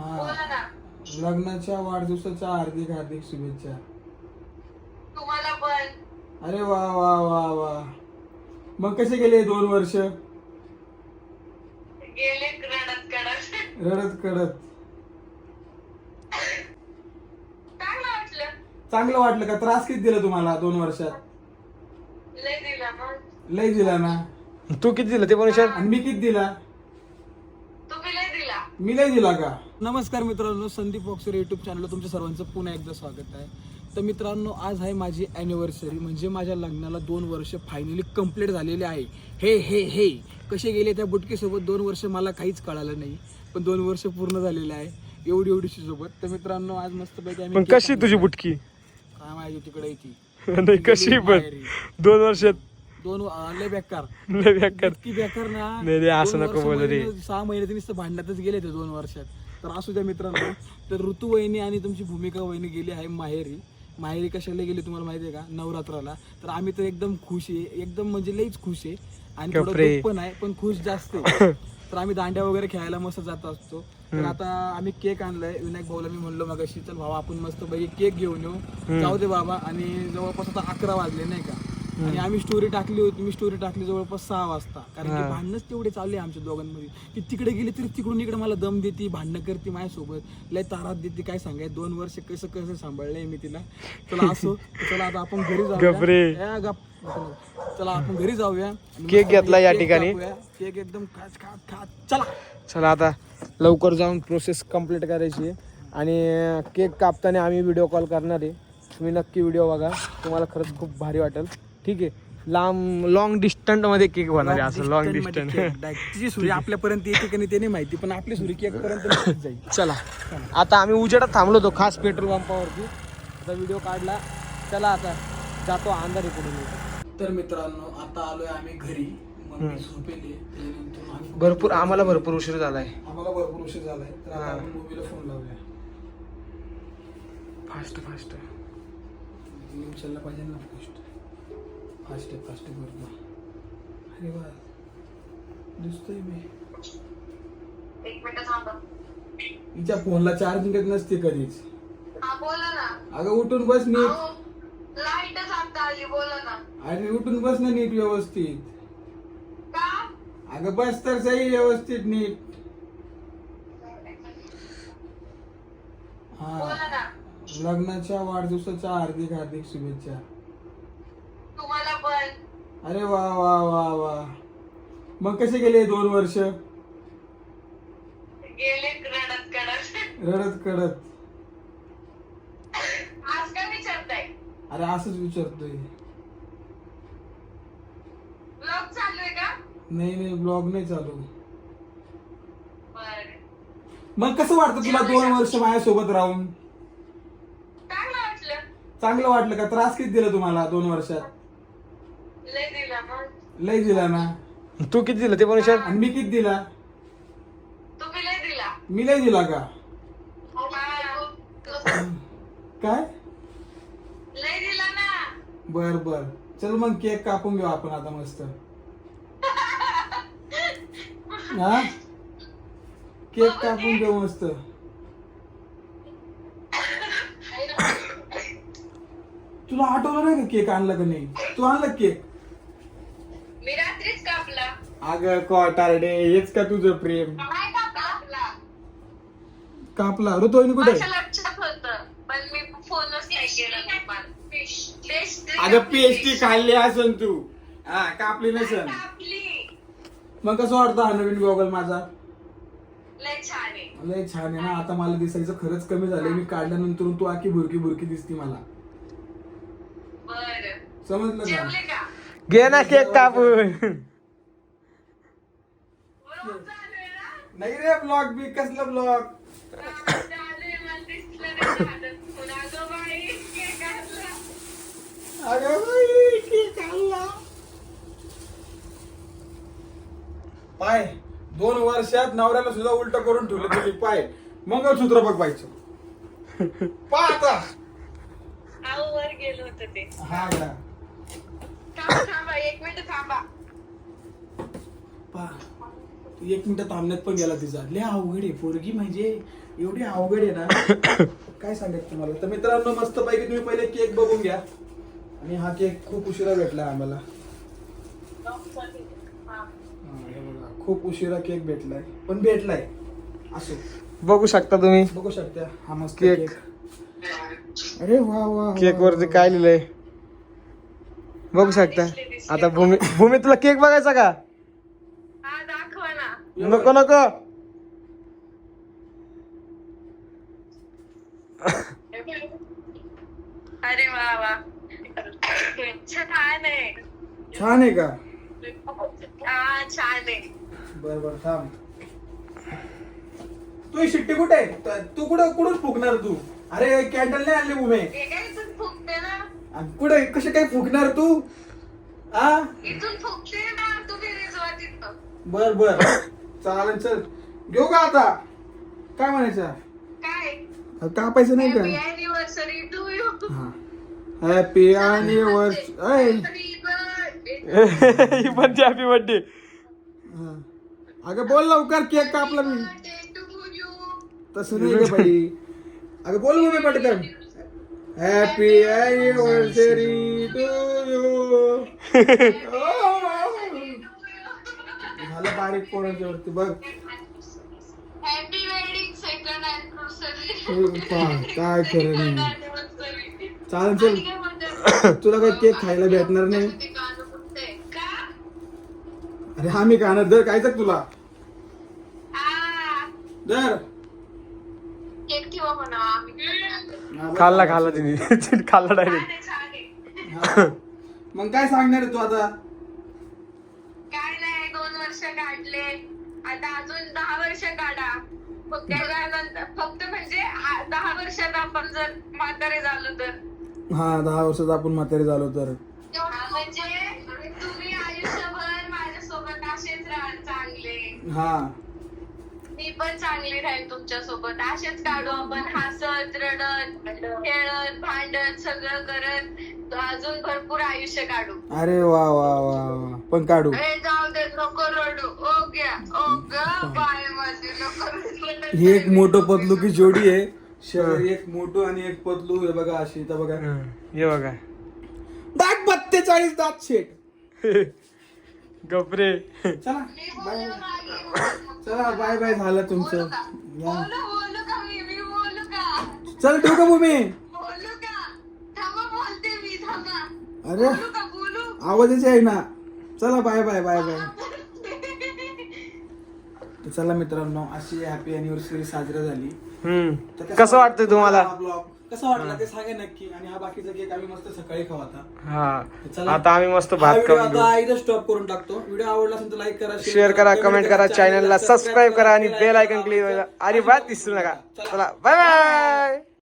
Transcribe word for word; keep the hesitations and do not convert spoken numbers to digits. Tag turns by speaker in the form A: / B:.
A: बोला ना.
B: लग्नाच्या वाढदिवसाच्या हार्दिक हार्दिक शुभेच्छा.
A: तुम्हाला पण.
B: अरे वा वा वा वा. मग कसे गेले दोन वर्ष?
A: गेले रडत कडत.
B: रडत कडत.
A: चांगलं वाटलं.
B: चांगलं वाटलं का? त्रास किती दिला तुम्हाला दोन वर्षात?
A: लय दिला मग.
B: लय दिला ना.
C: तू किती दिलं ते पण विचार.
B: आणि मी किती दिला?
A: तुम्ही लय दिला.
B: मी लय दिला का? नमस्कार मित्रांनो, संदीप बॉक्सर युट्यूब चॅनलला तुमच्या सर्वांचं पुन्हा एकदा स्वागत आहे. तर मित्रांनो, आज आहे माझी ॲनिव्हर्सरी, म्हणजे माझ्या लग्नाला दोन वर्ष फायनली कंप्लीट झालेले आहे. हे हे हे कसे गेले त्या बुटकीसोबत दोन वर्ष मला काहीच कळालं नाही, पण दोन वर्ष पूर्ण झालेले आहे एवढी एवढीशी सोबत. तर मित्रांनो, आज मस्तपैकी आम्ही
C: पण कशी तुझी बुटकी?
B: काय माहिती तिकडे येते
C: नाही कशी पण दोन वर्षात
B: दोन लय बेकार
C: लय बेकार.
B: इतकी बेकार ना.
C: नाही रे, असं
B: दोन
C: नको
B: वर्ष
C: बोलू रे.
B: म्हणजे सहा महिने तर नुसतं भांडणातच गेले ते दोन वर्षात. तर असू द्या मित्रांनो. तर ऋतू वहिनी आणि तुमची भूमिका वहिनी गेली आहे माहेरी. माहेरी कशाला गेली तुम्हाला माहिती आहे का? नवरात्राला. तर आम्ही तर एकदम खुश आहे, एकदम म्हणजे लईच खुश आहे आणि थोडं
C: कपडे.
B: दुःख पण आहे, पण खुश जास्त आहे. तर आम्ही दांड्या वगैरे खेळायला मस्त जात असतो. तर आता आम्ही केक आणलाय. विनायक भाऊला मी म्हणलो मगाशी, चल भावा आपण मस्त पैकी केक घेऊन येऊ. जाऊ दे बाबा. आणि जवळपास आता अकरा वाजले नाही का. आणि आम्ही स्टोरी टाकली होती, मी स्टोरी टाकली जवळपास सहा वाजता, कारण की भांडणच तेवढे चालले आमच्या दोघांमध्ये. ती तिकडे गेली तरी तिकडून इकडे मला दम देते, भांडणं करते माझ्यासोबत, लय तारात देते. काय सांगायचं, दोन वर्ष कसं कसं सांभाळलंय मी तिला. चला असो, चला आता आपण घरी जाऊया. गप. चला आपण घरी जाऊया.
C: केक घेतला या ठिकाणी.
B: केक एकदम खात खात खात. चला
C: चला आता लवकर जाऊन प्रोसेस कंप्लीट करायची आहे. आणि केक कापताना आम्ही व्हिडिओ कॉल करणार आहे. तुम्ही नक्की व्हिडिओ बघा, तुम्हाला खरंच खूप भारी वाटेल. ठीक आहे. लांब लॉंग डिस्टंट मध्ये केक होणार आहे, असं लॉंग डिस्टंट.
B: तिची सुरी आपल्यापर्यंत येते का नाही ते नाही माहिती, पण आपली सुरी केक पर्यंत जाईल.
C: चला आता आम्ही उजेडात थांबलो होतो खास पेट्रोल पंपावरती. आता व्हिडिओ काढला. चला आता जातो अंधारी पुढे. तर मित्रांनो, आता आलोय आम्ही घरी. मम्मी झोपेली. त्यानंतर आम्ही भरपूर आम्हाला भरपूर उशीर झालाय.
B: आम्हाला भरपूर उशीर झालाय. तर आता आपण मूवीला फोन लावूया.
C: फास्ट फास्ट
B: उचलला पाहिजे ना. फास्ट फास्ट फास्ट करतो. अरे वा, दिसतोय मी.
A: एक मिनिट थांबा.
B: हिच्या फोनला चार्जिंग येत नसते कधीच.
A: हा बोला ना.
B: अगं उठून बस नीट.
A: लाईटच आता आली. बोला ना.
B: अरे उठून बस ना नीट व्यवस्थित.
A: का?
B: अगं बस तर सही व्यवस्थित नीट.
A: बोला
B: हा.
A: ना.
B: लग्नाच्या वाढदिवसाच्या हार्दिक हार्दिक शुभेच्छा.
A: तुम्हाला पण.
B: अरे वा वा वा वा. मग कसे गेले दोन वर्ष?
A: गेले रडत कडत.
B: रडत कडत.
A: आज काय विचारताय?
B: अरे असंच विचारतोय.
A: ब्लॉग चालू आहे का?
B: नाही नाही, ब्लॉग नाही चालू.
A: बरं.
B: मग कसं वाटतं तुला दोन वर्ष माझ्यासोबत राहून?
A: चांगलं वाटलं.
B: चांगलं वाटलं का? त्रास किती दिला तुम्हाला दोन वर्षात?
A: लय दिला मग.
B: लय दिला ना.
C: तू किती दिलं ते पण विचार.
B: आणि मी किती दिला?
A: तुम्ही लय दिला.
B: मी लय दिला का?
A: हा.
B: काय?
A: लय दिला ना.
B: बर बर. चल मग केक कापून घेऊ आपण आता मस्त. हा, केक कापून घेऊ मस्त. तुला आठवलं नाही का केक आणला का नाही? तू आणला केक?
A: मी रात्रीच कापला.
B: अगं कॉटारडे, हेच का तुझं प्रेम?
A: नाही कापला.
B: कापला. ऋतुवाहिनी कुठे?
A: माझ्या लक्षात होतं, पण मी फोनच नाही केला तुम्हाला. पेस्ट्री
B: अगं पेस्ट्री खाल्ली असन तू. हा, कापली नसन.
A: कापली.
B: मग कसं वाटतं हा नवीन गॉगल माझा?
A: लय छान आहे.
B: लय छान आहे ना. आता मला दिसायचं खरंच कमी झालंय. मी काढल्यानंतर तू आखी भुरकी भुरकी दिसती मला.
A: बरं.
B: समजलं का?
A: जेवले का?
C: घे ना केक कापून.
A: बरोबर चालू आहे ना?
B: नाही रे, ब्लॉग बी कसलं ब्लॉग?
A: हा, चालू आहे. मला दिसलं नाही हातात. पण अगं बाई, केक आणला.
B: अगं बाई, केक आणला. पाय, दोन वर्षात नवऱ्याला सुद्धा उलट करून ठेवलं तुझी. पाय, मंगळसूत्र बघ पाहिजे. पा आता.
A: आऊ वर गेलो होतं ते.
B: हा का?
A: थांबा थांबा, एक मिनिट थांबा.
B: पा, एक मिनिट थांबण्यात पण गेला तिचा. लय अवघड आहे पोरगी, म्हणजे एवढी अवघड आहे ना काय सांगायचं तुम्हाला. तर मित्रांनो मस्त पैकी तुम्ही पहिले केक बघून घ्या. आणि हा केक खूप उशिरा भेटला आम्हाला. हा, हे बघा, खूप उशिरा केक भेटलाय, पण भेटलाय. असो,
C: बघू शकता तुम्ही
B: बघू शकता हा मस्त
C: केक.
B: केक. अरे वा वा,
C: केक वरती काय लिहिलंय बघू शकता. आता भूमी भूमी तुला केक बघायचा का?
A: हा दाखवा ना.
C: नको नको.
A: अरे वा वा, छान आहे.
B: छान आहे का?
A: हा छान आहे.
B: बर बर थांब. तू ही शिट्टी कुठे आहे? त- तू कुठं कुठून फुकणार तू? अरे कॅन्डल नाही आणली भूमे.
A: हे काय इथून फुकते ना,
B: आणि कुठे कसे काय फुकणार तू? आ
A: इथून फुकते ना, तुम्ही रिझवा तिथं.
B: बर बर चालेल, चल घेऊ का आता? काय म्हणायचं?
A: काय
B: कापायचं नाही
A: हॅपी
B: का?
A: Anniversary to you.
B: Happy anniversary.
C: ही पण हॅपी बर्थडे.
B: अगं बोल लवकर, केक कापला मी. तसं नाही का बाई. अगं बोल मग मी पटकन. Happy anniversary to you. झालं बारीक पोरांच्या वरती बघ.
A: हॅपी वेडिंग सेकंड
B: हो, काय खरं नाही.
A: अॅनिव्हर्सरी.
B: चालेल चल, तुला काही केक खायला भेटणार नाही.
A: का?
B: अरे हा मी खाणार. दर काय तुला
A: आ,
B: दर.
A: केक ठेवा म्हणा. आम्ही
C: खाल्ला खाल्ला तिने तिने खाल्ला डायरेक्ट.
A: छान आहे, छान आहे.
B: हा. मग काय सांगणार आहे तू आता?
A: काय नाही, दोन वर्ष काढले, आता अजून दहा वर्ष काढा. मग त्याच्यानंतर फक्त म्हणजे आ- दहा वर्षात आपण जर म्हातारे झालो तर.
B: हा दहा वर्षात आपण म्हातारे झालो तर.
A: हा, म्हणजे तुम्ही आयुष्यभर माझ्यासोबत असेच राहाल चांगले.
B: हा
A: मी पण चांगली राहील तुमच्या सोबत. असेच काढू आपण, हसत रडत खेळत भांडत सगळं करत अजून भरपूर आयुष्य काढू.
B: अरे वा वा वा वा, पण काढू.
A: अरे जाऊ दे, नको रडू. ओ घ्या, ओ ग बाय माझी, नको रडू.
B: ही एक मोठं पतलू की जोडी आहे. शरीर एक मोठं आणि एक पतलू. हे बघा अशी, तर बघा
C: हे बघा
B: दात बत्तेचाळीस दात शेट.
C: गपरे.
B: चला
A: मी
B: बाय.
A: बोलू मागे.
B: चला बाय बाय, झालं तुमचं.
A: बोलू का?
B: या.
A: बोलू बोलू का मी मी बोलू का?
B: चल ठेवू का भूमी?
A: बोलू का? थांबा, बोलते मी, थांबा.
B: अरे
A: बोलू का? बोलू.
B: आवाजच आहे ना. चला बाय बाय बाय बाय. तर चला मित्रांनो, अशी हॅपी अॅनिव्हर्सरी साजरी झाली.
C: हम्म
B: तर
C: कसं वाटतंय तुम्हाला?
B: हा vlog कसा वाटला ते सांगा नक्की. आणि हा बाकीचा केक आम्ही मस्त सकाळी खाऊ आता.
C: हा
B: चला.
C: आता आम्ही मस्त
B: हा
C: भात
B: व्हिडिओ
C: खाऊन घेऊ.
B: आता इथं स्टॉप करून टाकतो. व्हिडिओ आवडला असेल तर लाईक करा,
C: शेअर करा, कमेंट करा, चॅनलला सबस्क्राईब करा आणि बेल आयकन क्लिक व्हायला अजिबात विसरू नका. चला बाय बाय.